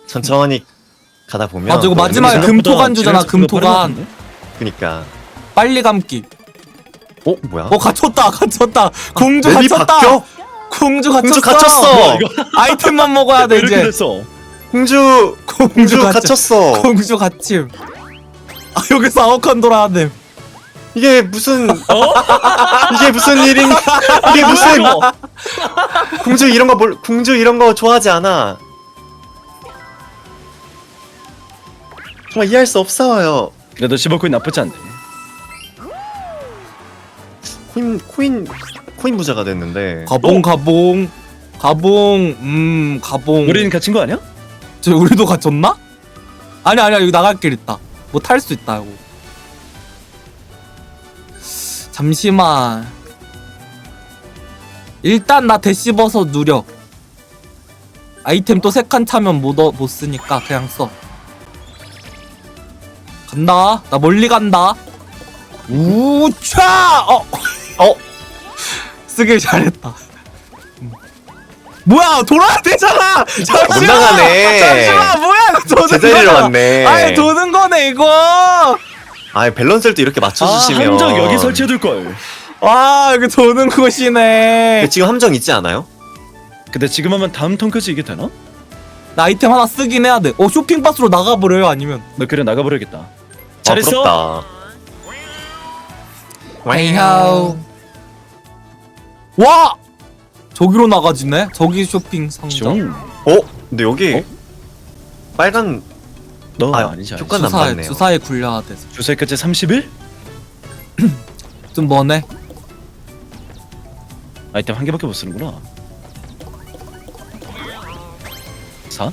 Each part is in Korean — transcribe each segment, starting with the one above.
천천히 가다 보면 아 저거 또 마지막에 은근히 금토간 주잖아. 금토간. 그니까 빨리 감기. 뭐야? 갇혔다. 공주 맵이 갇혔다. 바뀌어? 공주 갇혔어. 공주 갇혔어. 아이템만 먹어야 돼 이렇게 이제. 됐어. 공주 갇혔- 갇혔어. 공주 갇힘. 아 여기서 아웃칸 돌아야 돼. 이게 무슨 이게 무슨 일인? 이게 무슨 공주 이런 거 좋아하지 않아. 정말 이해할 수 없어요. 그래도 15코인 나쁘지 않네. 코인 부자가 됐는데. 가봉. 우리는 갇힌 거 아니야? 저 우리도 갇혔나? 아니야 여기 나갈 길 있다. 뭐 탈 수 있다 이거. 잠시만. 일단 나 대씹어서 누려. 아이템 또 3칸 차면 못 쓰니까 그냥 써. 간다. 나 멀리 간다. 우차! 쓰길 잘했다. 뭐야 돌아야 되잖아. 못 나가네. 잠시만 뭐야 도는 제자리로 거야. 왔네. 아니 도는 거네 이거. 아 밸런스를 또 이렇게 맞춰주시면. 함정 여기 설치해둘 걸. 아 여기 도는 곳이네. 지금 함정 있지 않아요? 근데 지금 하면 다음 턴까지 이게 되나? 나 아이템 하나 쓰긴 해야 돼. 쇼핑박스로 나가버려요 아니면. 너 그래 나가버려야겠다. 아, 잘했어. 부럽다. 와우. 와! 저기로 나가지네? 저기 쇼핑 상점. 근데 여기 빨간 너 아, 아니지. 효과는 안 주사에, 받네요. 주사에 굴려야 돼서. 주사까지 30일? 좀 머네. 아이템 한 개밖에 못 쓰는구나. 4?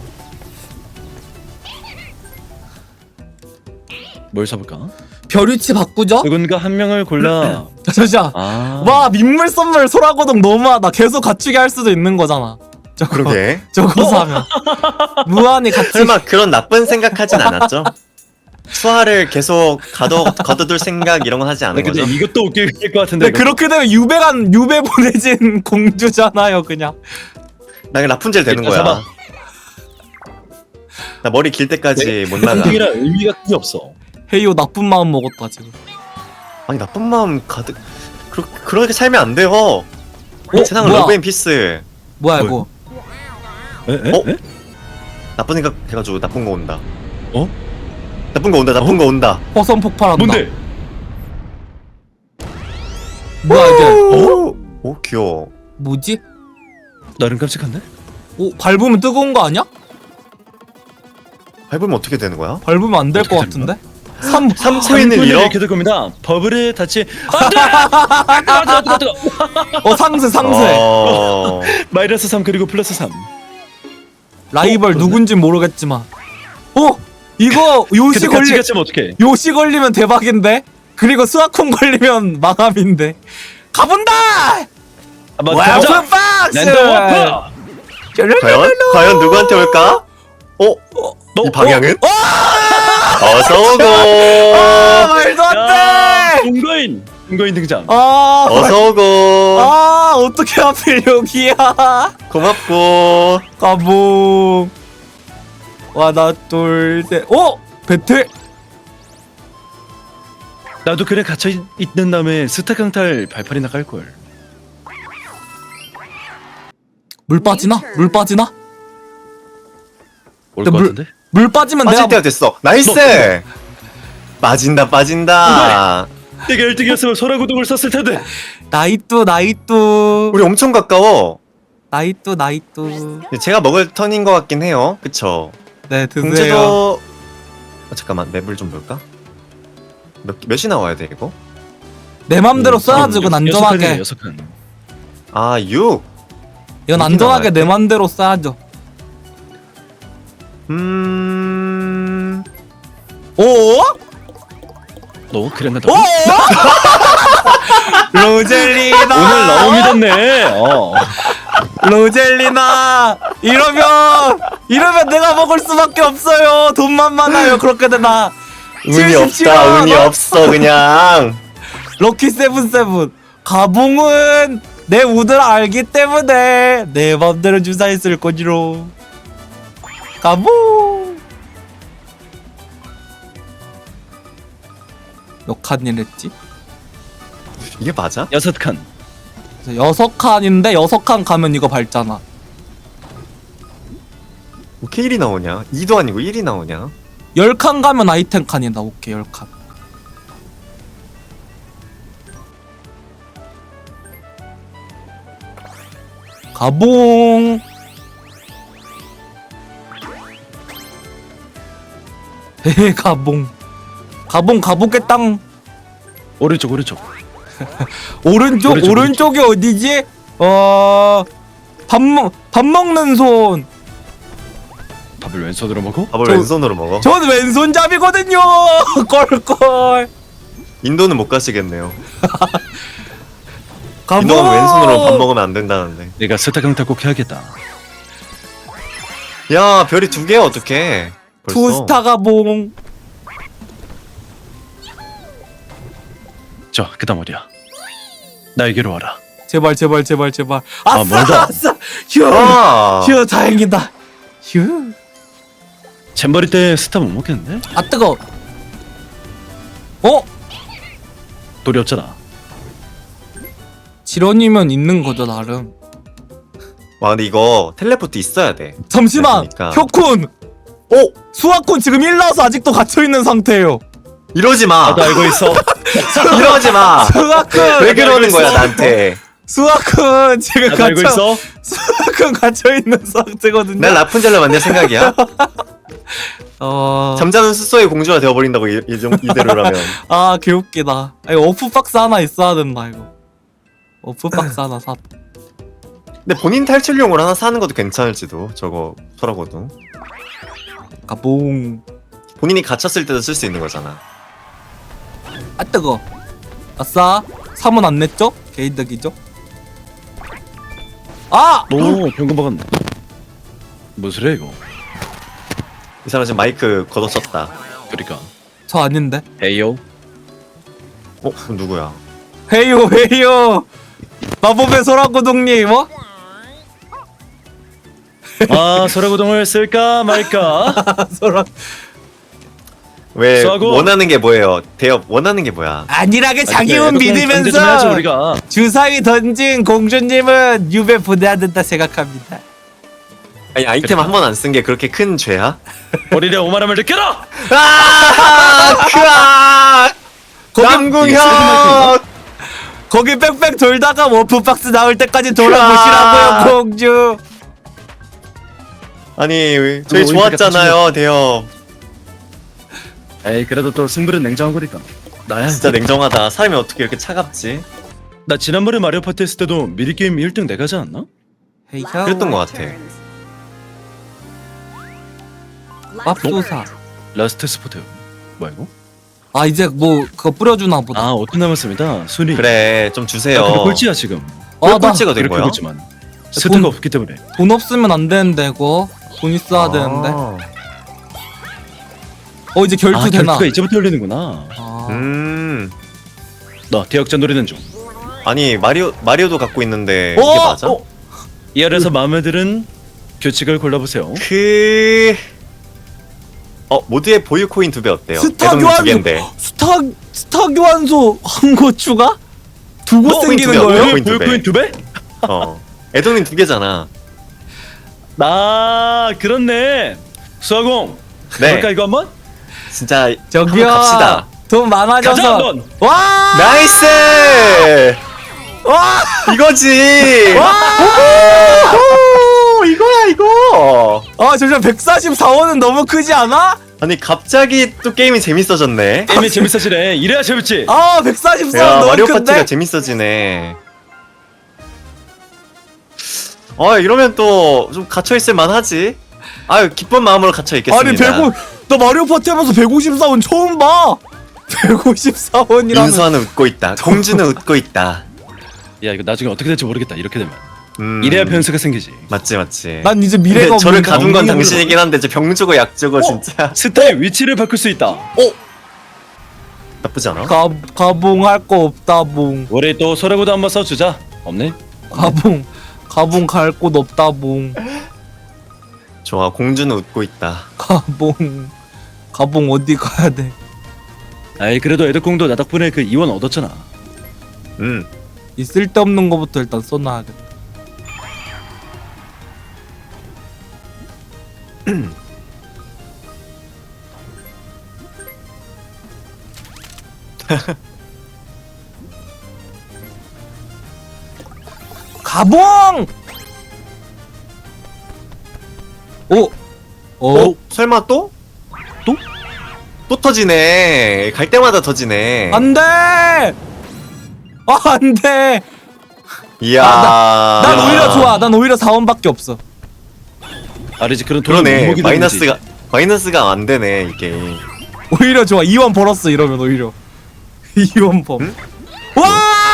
뭘 사볼까? 벼류치 바꾸죠? 누군가 한 명을 골라. 잠시만. 와 민물 선물 소라고동 너무하다. 계속 갖추게 할 수도 있는 거잖아. 저거 그러게. 저거 사면 무한히 같이. 설마 그런 나쁜 생각하진 않았죠? 수화를 계속 거둬둘 생각 이런 건 하지 않은 근데 거죠? 이것도 웃길 것 같은데. 근데 그렇게 되면 유배 보내진 공주잖아요 그냥. 나 그냥 라푼젤 되는 일단 거야. 잡아. 나 머리 길 때까지 못 나가. 선택이라 의미가 크게 없어. 헤이오 나쁜 마음 먹었다 지금. 아니 나쁜 마음 가득. 그렇게 살면 안 돼요. 세상은 뭐야? 러브 앤 피스. 뭐야 뭘? 이거. 에? 나쁜 생각 해가지고 나쁜 거 온다. 어? 나쁜 거 온다. 나쁜 거 온다. 화성 폭발한다. 뭔데? 뭐야 이게. 오 귀여워. 뭐지? 나름 깜찍한데? 오 밟으면 뜨거운 거 아니야? 밟으면 어떻게 되는 거야? 밟으면 안 될 것 어떻게 같은데? 3 코인을 잃어? 이렇게 될 겁니다. 버블에 닿지. 상세 마이너스 3 그리고 플러스 3. 라이벌 누군진 모르겠지만 이거 요시 근데 같이 같이 하면 어떡해? 요시 걸리면 대박인데 그리고 스와콘 걸리면 망함인데 가본다. 와프 박스. 과연 누구한테 올까? 이 방향은? 어서 오고. 말도 안돼. 동거인 등장. 어서 오고. 어떻게 하필 여기야. 고맙고. 가봉. 하나 둘 셋. 배틀. 나도 그래 갇혀 있는 다음에 스타 강탈 발판이나 깔 걸. 물 빠지나? 올 근데 것 같은데? 물 빠지면 빠질 내가 때가 됐어. 나이스. 빠진다. 내가 1등이었으면 소라구동을 썼을 텐데. 나이뚜. 우리 엄청 가까워. 나이뚜. 제가 먹을 턴인 것 같긴 해요. 그쵸? 네 드세요. 공주도 잠깐만 맵을 좀 볼까? 몇이 나와야 돼 이거? 내 맘대로 써야지 이건 안전하게. 6칸. 아 6. 이건 이렇게 안전하게 나와야 내 맘대로 써야죠. 오? 너 그랬나? 오? 로젤리나. 오늘 너무 믿었네. 로젤리나. 이러면 내가 먹을 수밖에 없어요. 돈만 많아요. 그렇게 되나. 운이 없다. 운이 없어 그냥. 럭키 세븐세븐. 가봉은 내 우드를 알기 때문에 내 맘대로 주사했을 거지로. 가봉. 몇 칸이랬지? 이게 맞아? 6칸. 6칸인데 6칸 가면 이거 밟잖아. 어떻게 1이 나오냐? 2도 아니고 1이 나오냐? 10칸 가면 아이템 칸이다. 오케이 10칸. 가봉. 헤헤 가봉. 가봉 가보겠당. 오른쪽 오른쪽. 오른쪽 오른쪽, 오른쪽이 어디지? 밥 먹는 손. 밥을 왼손으로 먹어? 밥을 저- 왼손으로 먹어? 전 왼손잡이거든요. 꼴꼴. 인도는 못 가시겠네요. 가봉. 인도는 왼손으로 밥 먹으면 안 된다는데. 내가 스타 강탈 꼭 해야겠다. 야, 별이 2개야 어떡해. 벌써. 투스타 가봉. 자, 그다음 어디야? 나에게로 와라. 제발 제발 제발 제발. 아, 아싸 멀다. 아싸. 휴. 아, 휴 다행이다. 휴. 잼버리 때 스타 못 먹겠는데? 아 뜨거. 어? 돌이 없잖아. 지런이면 있는 거죠 나름. 와 근데 이거 텔레포트 있어야 돼. 잠시만. 그러니까. 혁쿤. 오! 수학군 지금 1 나와서 아직도 갇혀 있는 상태예요. 이러지 마. 나도 알고 있어. 이러지 마. 수학군. 왜 그러는 알고 거야 있어. 나한테? 수학군 지금 나도 알고 갇혀. 있어. 수학군 갇혀 있는 상태거든요. 날 라푼젤로 만들 생각이야? 어. 잠자는 숫소의 공주가 되어버린다고 이대로라면. 아 개웃기다. 아, 이거 오프박스 하나 있어야 된다 이거. 오프박스 하나 사. 근데 본인 탈출용으로 하나 사는 것도 괜찮을지도. 저거 소라고도 가봉. 본인이 갇혔을 때도 쓸 수 있는 거잖아. 아 뜨거. 아싸. 3은 안 냈죠? 개이득이죠? 아! 오, 병금 박았네. 뭔 소리야 이거? 이 사람 지금 마이크 걷어쳤다. 그러니까. 저 아닌데. 에이요. 그럼 누구야? 헤이요 헤이요. 마법의 소라고동님 뭐? 아, 소라고동을 쓸까 말까? 소라. 왜 수하고. 원하는 게 뭐예요? 대엽 원하는 게 뭐야? 안일하게 자기 운 경제 좀 해야지, 믿으면서 우리가. 주사위 던진 공주님은 유배 보내야 된다 생각합니다. 아니 아이템 한 번 안 쓴 게 그렇게 큰 죄야? 머리에 오만함을 느껴라. 아! 크아! 남궁현! 거기 빽빽 돌다가 워프박스 나올 때까지 돌아보시라고요 공주. 아니 저희 오히려 좋았잖아요 대엽. 에이, 그래도 또 승부는 냉정한 거니까. 나야. 진짜 냉정하다. 사람이 어떻게 이렇게 차갑지? 나 지난번에 마리오 파티 했을 때도 미리 게임 1등 내가 하지 않나? 헤이요. 그랬던 것 같아. 맙소사. 라스트 스포트. 뭐야 이거? 아 이제 뭐 그거 뿌려주나 보다. 아, 5분 남았습니다. 순위. 그래 좀 주세요. 나 근데 꼴찌야 지금. 왜 아, 나 꼴찌가 된 이렇게 거야? 꼴찌만. 스타가 돈- 없기 때문에. 돈 없으면 안 되는데 그거. 돈 있어야 되는데. 이제 결투 아, 되나? 결투가 이제부터 열리는구나. 아. 나 대역전 노리는 중. 아니 마리오도 갖고 있는데 어? 이게 맞아? 이 아래서 마음에 드는 규칙을 골라보세요. 모두의 보유 코인 2배 어때요? 스타 대동님 교환 2개인데. 스타 교환소 한 거 추가? 두 곳 코인 생기는 두 배, 거예요? 코인 두 배. 보유코인 2배? 애동님 2개잖아. 아, 그렇네. 수아공. 네. 볼까 이거 한번? 진짜 저기요. 한번 갑시다. 돈 많아져서. 가자 한번. 와! 나이스! 와! 이거지! 와! 오, 이거야 이거! 아 잠시만 144원은 너무 크지 않아? 아니 갑자기 또 게임이 재밌어졌네. 게임이 재밌어지네. 이래야 재밌지. 아 144원 야 너무 마리오 큰데? 파티가 재밌어지네. 이러면 또 좀 갇혀있을 만하지. 아유 기쁜 마음으로 갇혀있겠습니다. 아니 150, 나 마리오 파티 하면서 154원 처음 봐. 154원이라면 인수하는 웃고 있다. 공주는 웃고 있다. 야, 이거 나중에 어떻게 될지 모르겠다. 이렇게 되면. 이래야 변수가 생기지. 맞지. 난 이제 미래가 근데 저를 없는데. 가둔 건 엉덩이로 당신이긴 한데 저 병 주고 약 주고 진짜 스타의 위치를 바꿀 수 있다. 나쁘지 않아? 가봉할 거 없다 봉. 우리 또 소라고도 한번 써주자. 없네? 가봉 갈 곳 없다 봉. 좋아, 공주는 웃고 있다. 가봉 어디 가야 돼? 아이 그래도 애덕공도 나 덕분에 그 이원 얻었잖아. 이 쓸데없는 거부터 일단 써놔야겠다. 가봉! 설마 또? 또? 또 터지네. 갈 때마다 터지네. 안 돼! 안 돼! 이야. 난 오히려 좋아. 난 오히려 4원밖에 없어. 아니지 그런 돈을 못 그러네. 먹이다 보지. 마이너스가 안 되네, 이 게임. 오히려 좋아. 2원 벌었어, 이러면 오히려. 2원 범. 응? 와!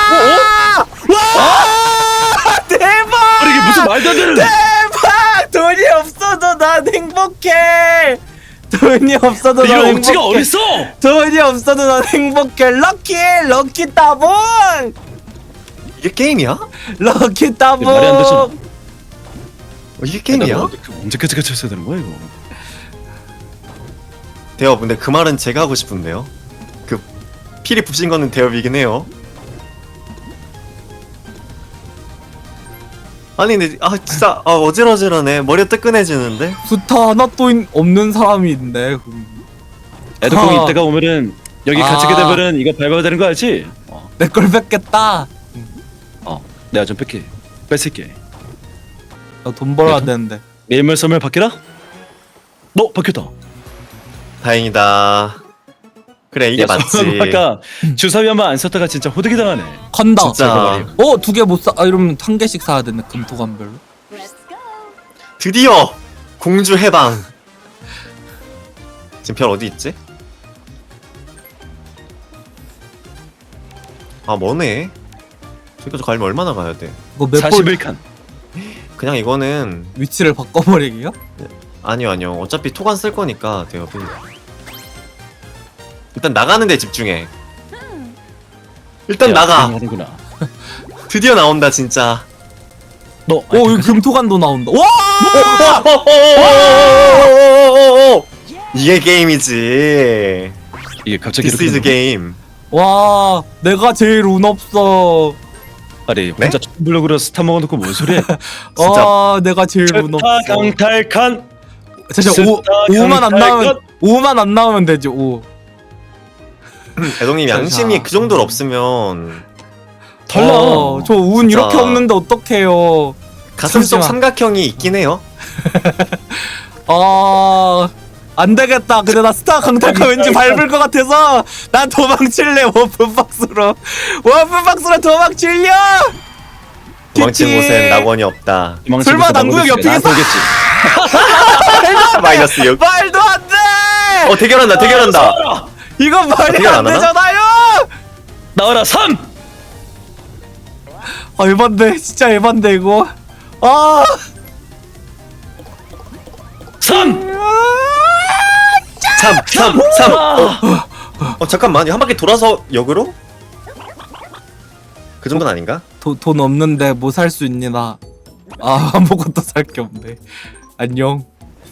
와! 대박! 아니 이게 무슨 말도 안 되는. 대박! 돈이 없어도 난 행복해! 돈이 없어도 난 이런 억지가 행복해! 어딨어? 돈이 없어도 난 행복해! 럭키 따봉! 이게 게임이야? 럭키 따봉! 말이 안 되잖아. 이게 게임이야? 언제까지 갇혔어야 되는 거야 이거? 대엽, 근데 그 말은 제가 하고 싶은데요. 그 필이 부신 거는 대엽이긴 해요. 아니 근데 진짜 어질어질하네. 머리가 뜨끈해지는데. 스타 하나도 없는 사람이 있네. 애덕공이 아. 이따가 오면은 여기 갇히게 되면은 이거 밟아야 되는 거 알지? 내 걸 뺏겠다. 내가 좀 뺄게. 뺏을게. 나 돈 벌어야 야, 돈- 되는데. 내일말 썰면 바뀌라? 너 바뀌었다. 다행이다. 그래, 이게 맞지. 아까 주사위 한 번 안 썼다가 진짜 호되게 당하네. 간다. 진짜. 2개 못 사. 이러면 1개씩 사야 되네. 금토관별로. 드디어 공주 해방. 지금 별 어디 있지? 머네. 저기까지 가려면 얼마나 가야 돼? 이거 몇 번 41칸. 그냥 이거는 위치를 바꿔버리기요? 아니요. 어차피 토간 쓸 거니까 대엽이. 일단 나가는 데 집중해. 일단 나가. 하는구나. 드디어 나온다 진짜. 너 여기 금토관도 나온다. 와! 이게 게임이지. 이게 갑자기 This is game. 와, 내가 제일 운 없어. 아니 혼자 블로그로 스타 먹어놓고 뭔 소리야? 진짜. 내가 제일 운 없어. 스타 강탈칸. 진짜 스타 5만 안 나오면 강탈칸. 5만 안 나오면 되지. 5. 대동님 양심이 그 정도로 없으면 달라. 저 운 진짜. 이렇게 없는데 어떡해요. 가슴 속 잠시만. 삼각형이 있긴 해요. 안 되겠다. 근데 나 스타 강탈카 왠지 밟을 것 같아서 난 도망칠래. 워프박스로 도망칠려. 도망친 키키. 곳엔 낙원이 없다. 설마 남구역 옆이겠어? 오겠지. 마이너스 6. 말도 안 돼. 대결한다. 이건 말이 어떻게 안 안 하나? 되잖아요. 나와라 3. 에반데 진짜 에반데 이거. 3. 3. 잠깐만. 한 바퀴 돌아서 역으로? 그 정도는 아닌가? 돈 없는데 뭐 살 수 있니 나. 아무것도 살 게 없네. 안녕.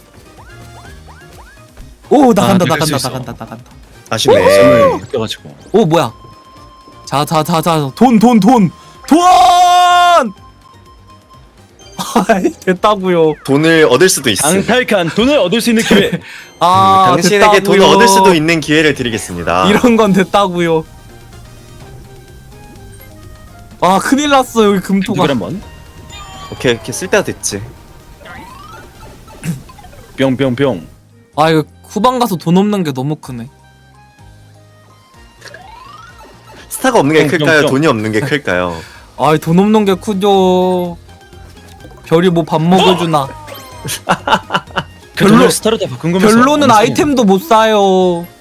오 나간다. 그럴 수 있어. 아쉽네. 바뀌어가지고. 오 뭐야? 자 돈. 됐다고요. 돈을 얻을 수도 있어. 강탈칸 돈을 얻을 수 있는 기회. 당신에게 돈을 됐다고요. 얻을 수도 있는 기회를 드리겠습니다. 이런 건 됐다고요. 큰일 났어 여기 금토가. 누굴 한번. 오케이 쓸 때가 됐지. 뿅뿅뿅. 이거 후방 가서 돈 없는 게 너무 크네. 스타가 없는 게 클까요? 뿅. 돈이 없는 게 클까요? 돈 없는 게 크죠. 별이 뭐 밥 먹여주나. 그 돈을 스타로 다 바꾼 거면서. 별로는 엄청- 아이템도 못 사요.